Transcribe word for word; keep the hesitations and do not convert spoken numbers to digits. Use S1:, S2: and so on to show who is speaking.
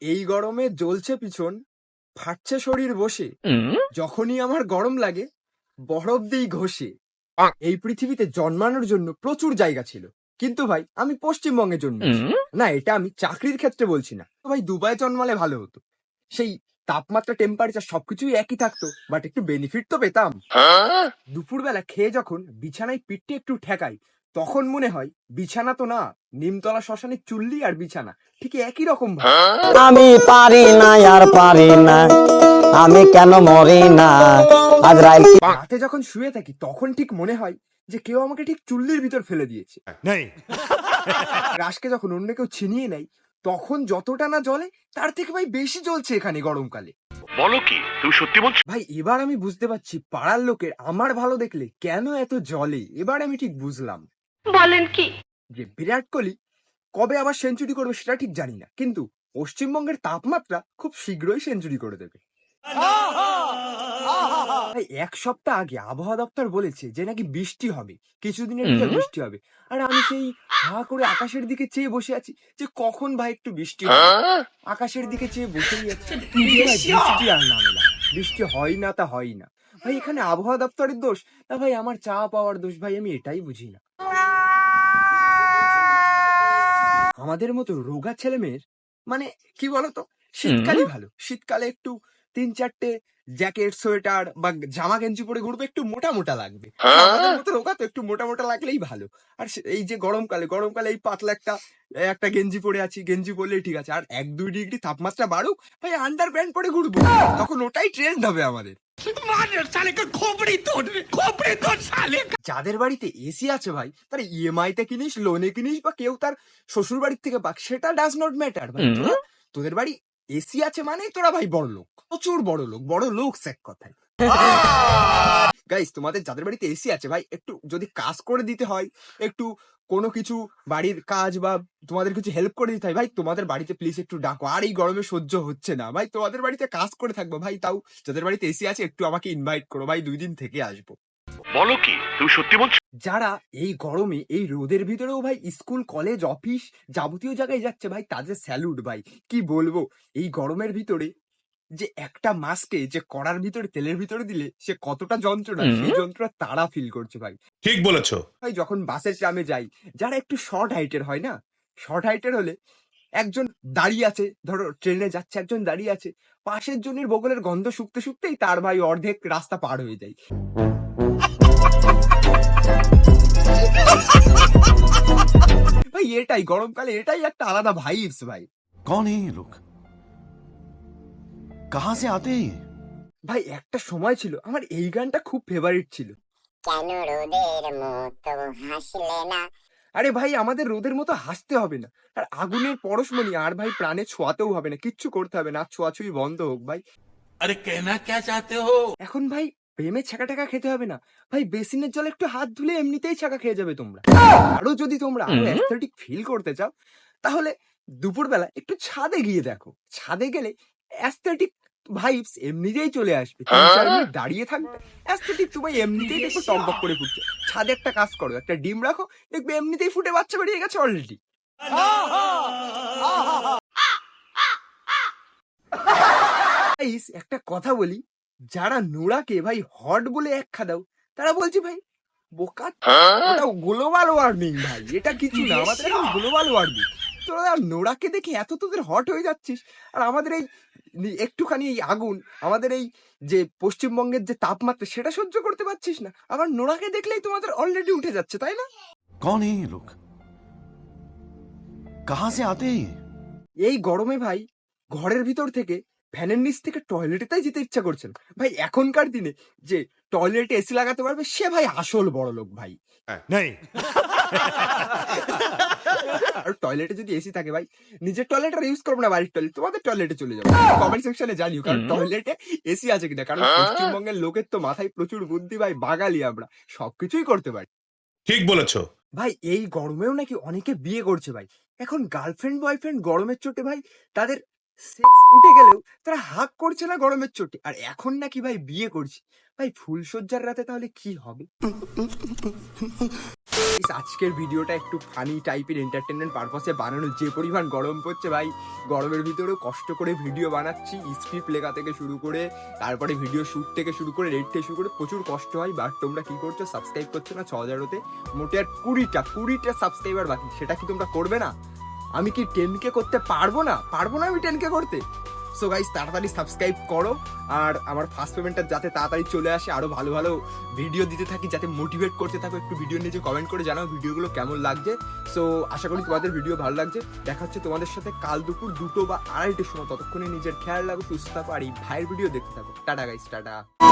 S1: এই গরমে জ্বলছে পিছন, ফাটছে শরীর বসে, যখনই আমার গরম লাগে বরফ দিই ঘষে। এই পৃথিবীতে জন্মানোর জন্য প্রচুর জায়গা ছিল, কিন্তু ভাই আমি পশ্চিমবঙ্গে জন্মেছি। না, এটা আমি চাকরির ক্ষেত্রে বলছি না। তো ভাই দুবাই জন্মালে ভালো হতো, সেই তাপমাত্রা টেম্পারেচার সবকিছুই একই থাকতো, বাট একটু বেনিফিট তো পেতাম। দুপুরবেলা খেয়ে যখন বিছানায় পিঠটি একটু ঠেকাই, তখন মনে হয় বিছানা তো না, নিমতলা শ্মশানের চুল্লি আর বিছানা ঠিক একই রকম ভাই।
S2: আমি পারি না আর পারি না, আমি কেন মরি না আজরাইল।
S1: রাতে যখন শুয়ে থাকি তখন ঠিক মনে হয় যে কেউ আমাকে ঠিক চুল্লির ভিতর ফেলে দিয়েছে। রাশকে যখন অন্য কেউ ছিনিয়ে নেয়, তখন যতটা না জ্বলে তার থেকে ভাই বেশি জ্বলছে এখানে গরমকালে।
S3: বলো কি তুমি সত্যি বলছো?
S1: ভাই এবার আমি বুঝতে পারছি পাড়ার লোকের আমার ভালো দেখলে কেন এত জ্বলে। এবার আমি ঠিক বুঝলাম।
S4: বলেন কি?
S1: যে বিরাট কোহলি কবে আবার সেঞ্চুরি করবে সেটা ঠিক জানি না, কিন্তু পশ্চিমবঙ্গের তাপমাত্রা খুব শীঘ্রই সেঞ্চুরি করে দেবে। ভাই এক সপ্তাহ আগে আবহাওয়া দপ্তর বলেছে যে নাকি বৃষ্টি হবে, কিছুদিনের ভিতর বৃষ্টি হবে। আর আমি সেই হা করে আকাশের দিকে চেয়ে বসে আছি যে কখন ভাই একটু বৃষ্টি হবে। আকাশের দিকে চেয়ে বসেই আছি, কিন্তু ভাই বৃষ্টি আর নামে না। বৃষ্টি হয় না তা হয় না। ভাই এখানে আবহাওয়া দপ্তরের দোষ না ভাই আমার চা পাওয়ার দোষ, ভাই আমি এটাই বুঝি না। আমাদের মতো রোগা ছেলে মেয়ের মানে কি বলতো, শীতকালই ভালো। শীতকালে একটু তিন চারটে জ্যাকেট সোয়েটার বা জামা গেঞ্জি পরে ঘুরবে, একটু মোটা মোটা লাগবে। আমাদের মতো রোগা তো একটু মোটা মোটা লাগলেই ভালো। আর সে- এই যে গরমকালে গরমকালে এই পাতলা একটা একটা গেঞ্জি পরে আছি, গেঞ্জি পরলেই ঠিক আছে। আর এক দুই ডিগ্রি তাপমাত্রা বাড়ুক, ভাই আন্ডার প্যান্ট পরে ঘুরবো, তখন ওটাই ট্রেন্ড হবে আমাদের। যাদের বাড়িতে এসি আছে ভাই, তারা ইএমআই তে কিনিস, লোনে কিনিস, বা কেউ তার শ্বশুর বাড়ির থেকে পাক, সেটা ডাজ নট ম্যাটার ভাই। তোরা তোদের বাড়ি এসি আছে মানে তোরা ভাই বড় লোক, প্রচুর বড় লোক, বড় লোক এক কথায়। গাইস, তোমাদের যাদের বাড়িতে এসি আছে ভাই, একটু যদি কাজ করে দিতে হয়, একটু কোনো কিছু বাড়ির কাজ বা তোমাদের কিছু হেল্প করে দিতে হয়, ভাই তোমাদের বাড়িতে প্লিজ একটু ডাকো। আর এই গরমে সহ্য হচ্ছে না ভাই, তোমাদের বাড়িতে কাজ করে থাকবো ভাই। তাও যাদের বাড়িতে এসি আছে একটু আমাকে ইনভাইট করো ভাই, দুই দিন থেকে আসবো।
S3: বলো কি তুমি সত্যি বলছো?
S1: যারা এই গরমে এই রোদের ভিতরেও ভাই স্কুল কলেজ অফিস যাবতীয় জায়গায় যাচ্ছে ভাই, তাদের স্যালুট ভাই। কি বলবো, এই গরমের ভিতরে যে একটা মাস্কে যে কড়ার ভিতরে তেলের ভিতরে দিলে সে কতটা যন্ত্রণা, সেই যন্ত্রণা তারা ফিল করছে ভাই।
S3: ঠিক বলেছো।
S1: ভাই যখন বাসের ট্রামে যাই, যারা একটু শর্ট হাইটের হয় না, শর্ট হাইটের হলে একজন দাঁড়িয়ে আছে, ধরো ট্রেনে যাচ্ছে, একজন দাঁড়িয়ে আছে, পাশের জনের বগলের গন্ধ শুকতে শুকতেই তার ভাই অর্ধেক রাস্তা পার হয়ে যায়। ভাই এটাই গরমকালে, এটাই একটা আলাদা ভাইবস ভাই।
S5: कौन है ये लोग? कहां से आते हैं ये?
S1: ভাই একটা সময় ছিল আমার এই গানটা খুব ফেভারিট ছিল।
S6: কেন রোদের মতো হাসলে না?
S1: আরে ভাই আমাদের রোদের মতো হাসতে হবে না, আর আগুনের পরশমণি আর ভাই প্রাণে ছোঁয়াতেও হবে না, কিচ্ছু করতে হবে না, আর ছোঁয়াছুঁই বন্ধ হোক ভাই।
S7: अरे कहना क्या चाहते हो?
S1: এখন ভাই প্রেমে ছাকা টাকা খেতে হবে না ভাই, বেসিনের জলে একটু হাত ধুলে এমনিতেই ছাকা খেয়ে যাবে তোমরা। আরো যদি তোমরা আরো অ্যাস্থেটিক ফিল করতে চাও, তাহলে দুপুরবেলা একটু ছাদে গিয়ে দেখো। ছাদে গেলে অ্যাস্থেটিক ভাইবস এমনিতেই চলে আসবে। তিন চার মিনিট দাঁড়িয়ে থাকবে, অ্যাস্থেটিক তোমায় এমনিতেই দেখো টকবক করে ফুটছে। ছাদে একটা কাজ করো, একটা ডিম রাখো, দেখবে এমনিতেই ফুটে বাচ্চা বেরিয়ে গেছে অলরেডি। গাইস, একটা কথা বলি, যারা নোড়াকে ভাই হট বলে একখা দাও, তারা বলছে ভাই বোকা, ওটা গ্লোবাল ওয়ার্মিং ভাই, এটা কিছু না, আমাদের এখন গ্লোবাল ওয়ার্মিং। তোরা নোড়াকে দেখে এত তোদের হট হয়ে যাচ্ছিস, আর আমাদের এই নি- একটুখানি এই আগুন, আমাদের এই যে পশ্চিমবঙ্গের যে তাপমাত্রা সেটা সহ্য করতে পারছিস না, আবার নোড়াকে দেখলেই তোমাদের অলরেডি উঠে যাচ্ছে, তাই না?
S5: कौन है ये लोग? कहां से आते हैं ये?
S1: এই গরমে ভাই ঘরের ভিতর থেকে ফ্যানের নিচ থেকে টয়লেটে তাই যেতে ইচ্ছা করছে না ভাই। এখনকার দিনে যে টয়লেটে এসি লাগাতে পারবে সে ভাই আসল বড় লোক ভাই। আর টয়লেটে যদি এসি থাকে ভাই, নিজের টয়লেট আর ইউজ করবো না, বাড়ির টয়লেট, তোমাদের টয়লেটে চলে যাবো। কমেন্ট সেকশনে জানিও কারণ টয়লেটে এসি আছে কিনা, কারণ পশ্চিমবঙ্গের লোকের তো মাথায় প্রচুর বুদ্ধি ভাই, বাঙালি আমরা সবকিছুই করতে পারি।
S3: ঠিক বলেছো।
S1: ভাই এই গরমেও নাকি অনেকে বিয়ে করছে ভাই। এখন গার্লফ্রেন্ড বয়ফ্রেন্ড গরমের চোটে ভাই তাদের সেক্স উঠে গেলেও তারা হাক করছে না গরমের চোটে, আর এখন নাকি ভাই বিয়ে করছে। ভাই ফুলসজ্জার রাতে তাহলে কি হবে? Guys, আজকের ভিডিওটা একটু ফানি টাইপের এন্টারটেনমেন্ট পারপাসে বানানো। যে পরিমাণ গরম পড়ছে ভাই, গরমের ভিতরেও কষ্ট করে ভিডিও বানাচ্ছি, স্ক্রিপ্ট লেখা থেকে শুরু করে তারপরে ভিডিও শুট থেকে শুরু করে রেড থেকে শুরু করে প্রচুর কষ্ট হয়। বাট তোমরা কি করছো? সাবস্ক্রাইব করছো না। ছ হাজার হতে মোটে আর কুড়িটা কুড়িটা সাবস্ক্রাইবার বাকি, সেটা কি তোমরা করবে না? আমি কি টেন কে করতে পারবো না? পারবো না আমি টেন কে করতে। সো গাইস তাড়াতাড়ি সাবস্ক্রাইব করো, আর আমার ফার্স্ট পেমেন্টটা যাতে তাড়াতাড়ি চলে আসে, আরো ভালো ভালো ভিডিও দিতে থাকি, যাতে মোটিভেট করতে থাকো। একটু ভিডিও নিচে কমেন্ট করে জানাও ভিডিওগুলো কেমন লাগছে। সো আশা করি তোমাদের ভিডিও ভালো লাগছে। দেখা হচ্ছে তোমাদের সাথে কাল দুপুর দুটো বা আড়াইটের সময়। ততক্ষণে নিজের খেয়াল রাখো, সুস্থ থাকো, আর এই ভাইয়ের ভিডিও দেখতে থাকো। Tata guys, tata.